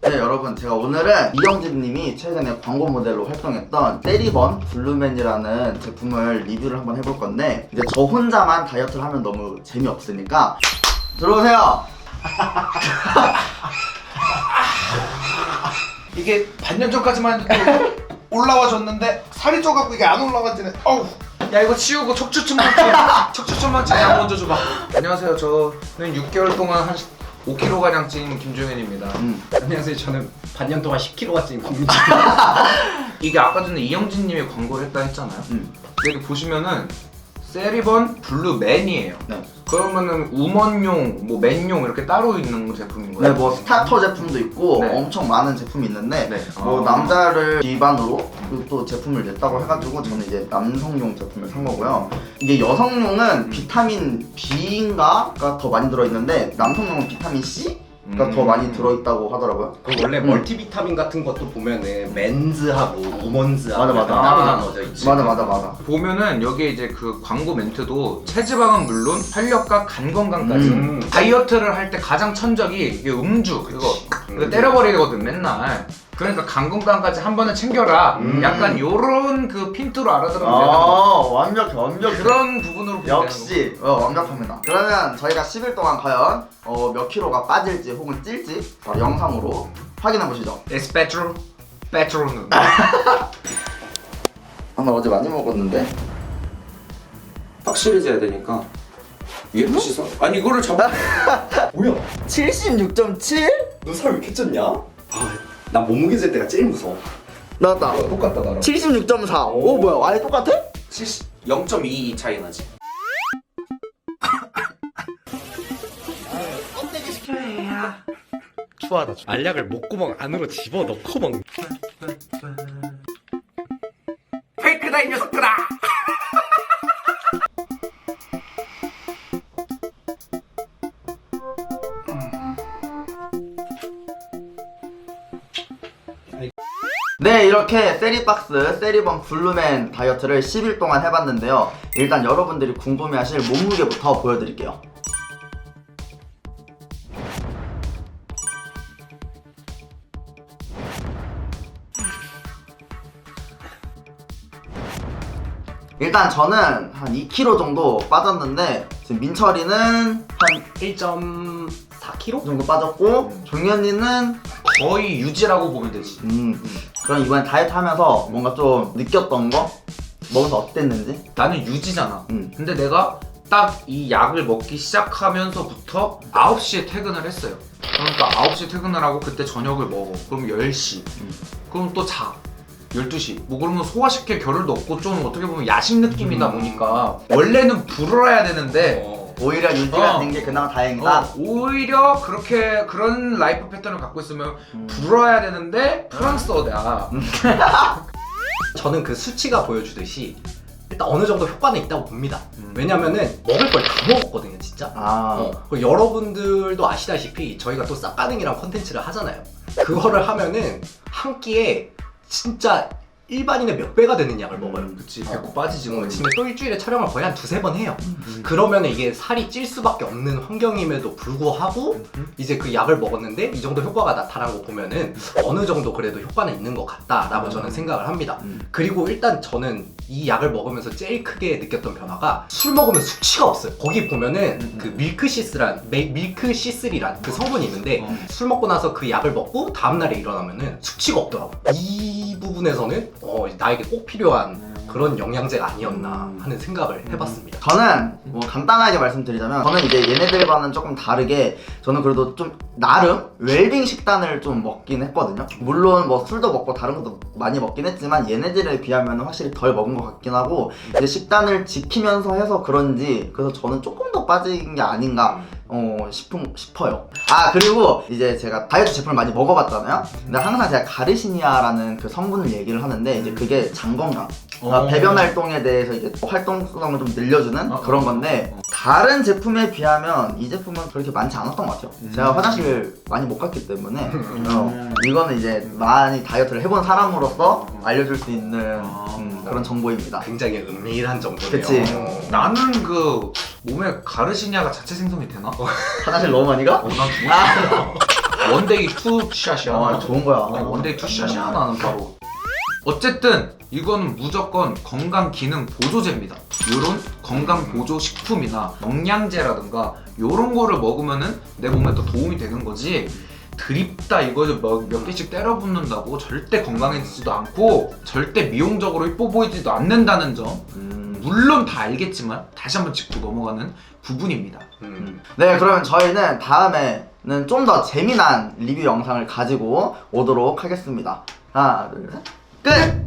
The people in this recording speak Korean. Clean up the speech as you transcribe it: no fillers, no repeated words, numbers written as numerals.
네 여러분, 제가 오늘은 이영진님이 최근에 광고 모델로 활동했던 세리번 블루맨이라는 제품을 리뷰를 한번 해볼 건데, 이제 저 혼자만 다이어트를 하면 너무 재미없으니까 들어오세요. 이게 반년 전까지만 해도 올라와줬는데 살이 쪄갖고 이게 안 올라가지네. 어우. 야 이거 치우고 척추천만 양 먼저 줘봐. 안녕하세요. 저는 6개월 동안 한 5kg 가량 찐 김종현입니다. 안녕하세요. 저는 반년 동안 10kg가 찐 국민지. 이게 아까 전에 이영진님이 광고를 했다 했잖아요. 여기 보시면은 세리번 블루맨이에요. 네. 그러면은 우먼용, 뭐 맨용 이렇게 따로 있는 제품인 거예요? 네, 뭐 스타터 제품도 있고 네. 엄청 많은 제품이 있는데 네. 뭐 남자를 기반으로 또 제품을 냈다고 해가지고 저는 이제 남성용 제품을 산 거고요. 이게 여성용은 비타민 B인가가 더 많이 들어있는데 남성용은 비타민 C가 더 많이 들어있다고 하더라고요. 그 원래 멀티비타민 같은 것도 보면은 맨즈하고 우먼즈하고 맞아. 따로 나눠져 있지. 맞아. 보면은 여기에 이제 그 광고 멘트도 체지방은 물론 활력과 간 건강까지 다이어트를 할 때 가장 천적이 이게 음주 이거 때려버리거든 맨날. 그러니까 간 건강까지 한 번은 챙겨라. 약간 요런 그 핀트로 알아들으면 되는 거. 완벽해. 그런 부분으로 보면 역시 완벽합니다. 그러면 저희가 10일 동안 과연 몇 킬로가 빠질지 혹은 찔지 바로 영상으로 확인해 보시죠. 에스페트로 페트로는 나 어제 많이 먹었는데. 확실히 재야 되니까 위에 씻어? 아니 이거를 잡아. 뭐야? 76.7? 너 살 왜 이렇게 쪘냐? 난 몸무게 잴 때가 제일 무서워. 나왔다. 똑같다 나랑. 76.4. 오 뭐야? 아예 똑같아? 0.22 차이 나지. 추하다. 알약을 목구멍 안으로 집어넣고 먹는. 페이크다 이 녀석들아. 네, 이렇게 세리박스 세리번 블루맨 다이어트를 10일 동안 해봤는데요. 일단 여러분들이 궁금해하실 몸무게부터 보여드릴게요. 일단 저는 한 2kg 정도 빠졌는데 지금 민철이는 한 1.4kg? 정도 빠졌고 종현이는 거의 유지라고 보면 되지. 그럼 이번에 다이어트 하면서 뭔가 좀 느꼈던 거? 먹어서 어땠는지? 나는 유지잖아. 음. 근데 내가 딱 이 약을 먹기 시작하면서부터 9시에 퇴근을 했어요. 그러니까 9시에 퇴근을 하고 그때 저녁을 먹어. 그럼 10시. 그럼 또 자. 12시. 뭐 그러면 소화시킬 겨를도 없고 좀 어떻게 보면 야식 느낌이다 보니까 원래는 불어야 되는데 오히려 유지가 어. 된 게 그나마 다행이다. 오히려 그런 라이프 패턴을 갖고 있으면 불어야 되는데 프랑스어다. 저는 그 수치가 보여주듯이 일단 어느 정도 효과는 있다고 봅니다. 왜냐면은 먹을 걸 다 먹었거든요, 진짜. 그리고 여러분들도 아시다시피 저희가 또 쌉가능이랑 컨텐츠를 하잖아요. 그거를 하면은 한 끼에 진짜 일반인의 몇 배가 되는 약을 먹어요. 그치, 배꼽 빠지지 뭐. 근데 또 일주일에 촬영을 거의 한 2-3번 해요. 그러면 이게 살이 찔 수밖에 없는 환경임에도 불구하고 이제 그 약을 먹었는데 이 정도 효과가 나타난 거 보면은 어느 정도 그래도 효과는 있는 것 같다라고 저는 생각을 합니다. 그리고 일단 저는 이 약을 먹으면서 제일 크게 느꼈던 변화가 술 먹으면 숙취가 없어요. 거기 보면은 그 밀크시슬이란 그 성분이 있는데 술 먹고 나서 그 약을 먹고 다음날에 일어나면은 숙취가 없더라고. 이 부분에서는 나에게 꼭 필요한 그런 영양제가 아니었나 하는 생각을 해봤습니다. 저는 뭐 간단하게 말씀드리자면 저는 이제 얘네들과는 조금 다르게 저는 그래도 좀 나름 웰빙 식단을 좀 먹긴 했거든요. 물론 뭐 술도 먹고 다른 것도 많이 먹긴 했지만 얘네들에 비하면 확실히 덜 먹은 것 같긴 하고 이제 식단을 지키면서 해서 그런지 그래서 저는 조금 더 빠진 게 아닌가 싶어요. 아 그리고 이제 제가 다이어트 제품을 많이 먹어봤잖아요. 근데 항상 제가 가르시니아라는 그 성분을 얘기를 하는데 이제 그게 장 건강 배변 활동에 대해서 이제 활동성을 좀 늘려주는 그런 건데 다른 제품에 비하면 이 제품은 그렇게 많지 않았던 것 같아요. 제가 화장실 많이 못 갔기 때문에 이거는 이제 많이 다이어트를 해본 사람으로서 알려줄 수 있는 그런 정보입니다. 굉장히 은밀한 정보네요. 그치. 나는 몸에 가르시니아가 자체 생성이 되나? 화장실 너무 많이 가? 난 원데이 투샷이야. 좋은 거야. 원데이 투샷이야 나는 바로. 어쨌든 이거는 무조건 건강 기능 보조제입니다. 요런 건강 보조 식품이나 영양제라든가 요런 거를 먹으면은 내 몸에 또 도움이 되는 거지. 드립다 이거 몇 개씩 때려 붓는다고 절대 건강해지지도 않고 절대 미용적으로 이뻐 보이지도 않는다는 점 물론 다 알겠지만 다시 한번 짚고 넘어가는 부분입니다. 네, 그러면 저희는 다음에는 좀 더 재미난 리뷰 영상을 가지고 오도록 하겠습니다. 하나, 둘, 셋, 끝!